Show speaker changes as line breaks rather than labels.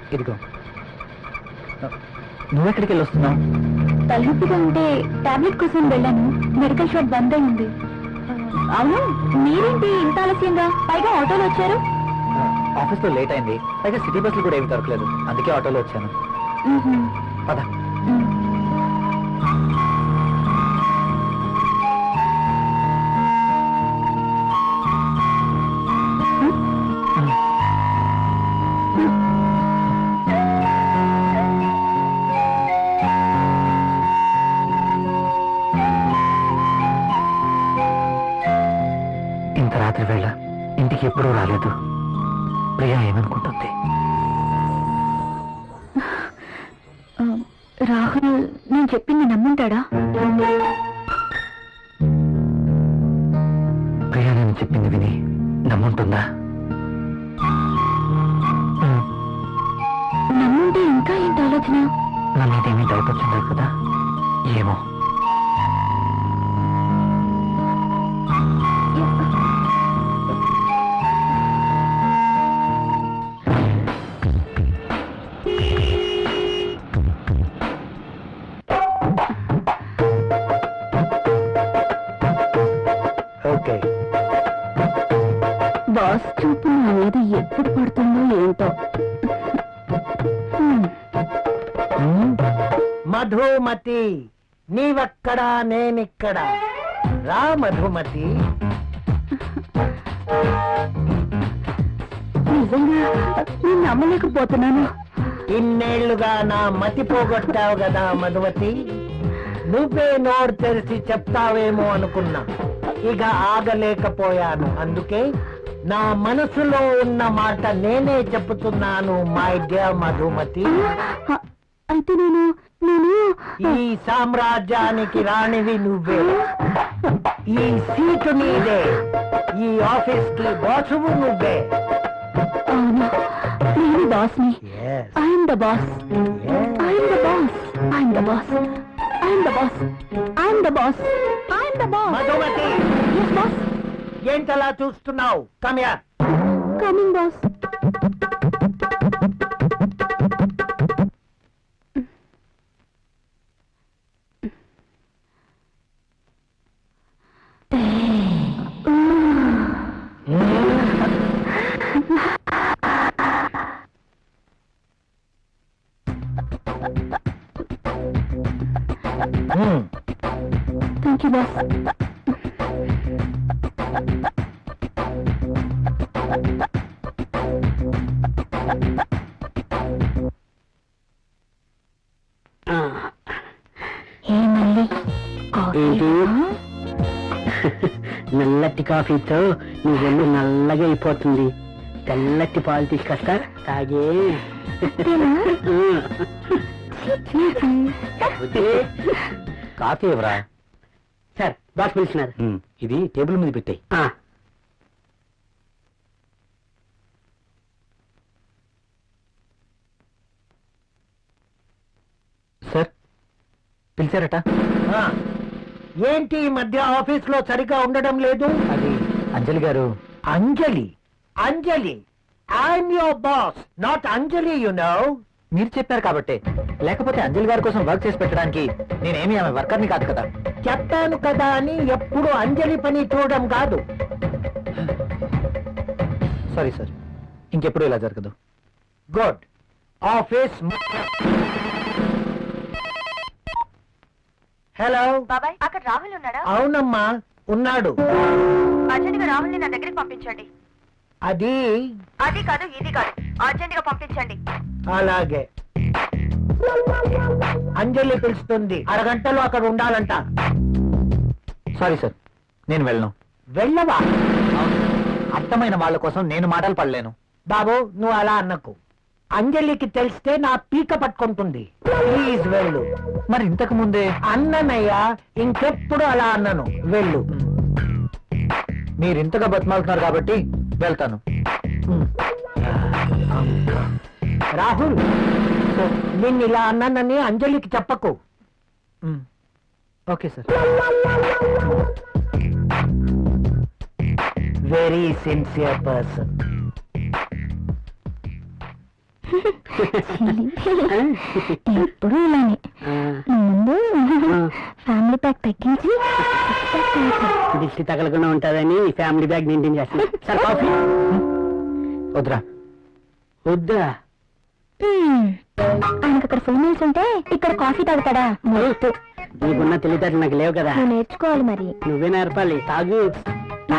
ఇదిగో. నువ్వెక్కడికి వెళ్ళి వస్తున్నావు?
తలనొప్పిగా ఉంటే టాబ్లెట్ కోసం వెళ్ళాను. మెడికల్ షాప్ బంద్ అయింది. అవును, మీరేంటి ఇంత ఆలస్యంగా, పైగా ఆటోలో వచ్చారు?
ఆఫీస్లో లేట్ అయింది, పైగా సిటీ బస్సులు కూడా ఏమి దొరకలేదు, అందుకే ఆటోలో వచ్చాను. పద. ఇంత రాత్రి వేళ ఇంటికి ఎప్పుడూ రాలేదు. ప్రియా ఏమనుకుంటుంది?
రాహుల్ నేను చెప్పింది నమ్ముంటాడా?
ప్రియా నేను చెప్పింది విని నమ్ముంటుందా?
నమ్ముంటే ఇంకా ఏంటి ఆలోచన?
నా మీద ఏమీ డౌట్ వచ్చిందా కదా? ఏమో. ఓకే.
బాస్ చూపు నా మీద ఎప్పుడు పడుతుందో ఏంటో.
మధుమతి, నీవక్కడా నేనిక్కడ. రా మధుమతి.
నిజంగా నేను నమ్మలేకపోతున్నాను.
ఇన్నేళ్లుగా నా మతి పోగొట్టావు కదా మధుమతి. నువ్వే నోరు తెరిచి చెప్తావేమో అనుకున్నా, ఇక ఆగలేకపోయాను. అందుకే నా మనసులో ఉన్న మాట నేనే చెప్తున్నాను. మై డియర్ మధుమతి,
అయితే నేను నేను
ఈ సామ్రాజ్యానికి రాణివి నువ్వే. ఈ సీటు నీదే. ఈ ఆఫీస్ కి బాసువు నువ్వే.
అవును, నేను బాస్ని. I'm the boss. I'm the boss. I'm the boss. I'm the boss. I'm the boss. I'm the boss.
Madhumati,
yes boss.
ఏంటలా చూస్తున్నావు? Come here.
Coming boss. Thank you boss.
నల్లటి కాఫీతో నీ ఒళ్ళు నల్లగా అయిపోతుంది. తెల్లటి పాలు తీసుకొస్తా, తాగే.
కాఫీ ఎవరా?
Sir, boss పిలిచినారు.
ఇది టేబుల్ మీద పెట్టాయి. సార్ పిలిచారట.
ఏంటి ఈ మధ్య ఆఫీస్ లో సరిగా ఉండడం లేదు?
అది అంజలి గారు.
అంజలి? అంజలి, I'm your boss, not Anjali, you know.
మీరు చెప్పారు కాబట్టి, లేకపోతే అంజలి గారి కోసం వర్క్ చేసి పెట్టడానికి నేనేమి ఆమె వర్కర్ని కాదు కదా.
చెప్పాను కదా అని ఎప్పుడు అంజలి పని చూడడం కాదు.
సారీ సార్, ఇంకెప్పుడు ఇలా జరగదు.
గుడ్. ఆఫీస్. హలో
బాబాయ్, అక్కడ రాహుల్ ఉన్నాడా?
అవునమ్మా, ఉన్నాడు.
అర్జెంట్ గా రాహుల్ ని నా దగ్గరికి పంపించండి.
అది
అది కాదు, ఇది కాదు, అర్జెంట్ గా పంపించండి.
అలాగే. అంజలి పిలుస్తుంది, అరగంటలో అక్కడ ఉండాలంట.
సారీ సార్, నేను వెళ్ళను.
వెళ్ళవా?
అర్థమైన వాళ్ళ కోసం నేను మాటలు పడలేను.
బాబు, నువ్వు అలా అన్నకు. అంజలికి తెలిస్తే నా పీక పట్టుకుంటుంది. ప్లీజ్ వెళ్ళు.
మరి ఇంతకు ముందే
అన్ననయ్యా, ఇంకెప్పుడు అలా అన్నను. వెళ్ళు.
మీరు ఇంతగా బతిమాలుతున్నారు కాబట్టి వెళ్తాను.
రాహుల్, నిన్ను ఇలా అన్నానని అంజలికి చెప్పకు.
Okay sir.
Very sincere person.
ఎప్పుడు ఇలానే ముందు ఫ్యామిలీ ప్యాక్ తగ్గించి
దిష్టి తగలకుండా ఉంటుందని ఫ్యామిలీ బ్యాగ్ మెయింటైన్ చేస్తాను. సార్ కాఫీ
వద్దురా.
వద్దా?
ఆయనకు అక్కడ ఫీమేల్స్ ఉంటే ఇక్కడ కాఫీ తాగుతాడా?
నీకున్న తెలివితేటలు నాకు లేవు కదా,
నువ్వు నేర్చుకోవాలి మరి.
నువ్వే నేర్పాలి. తాగు.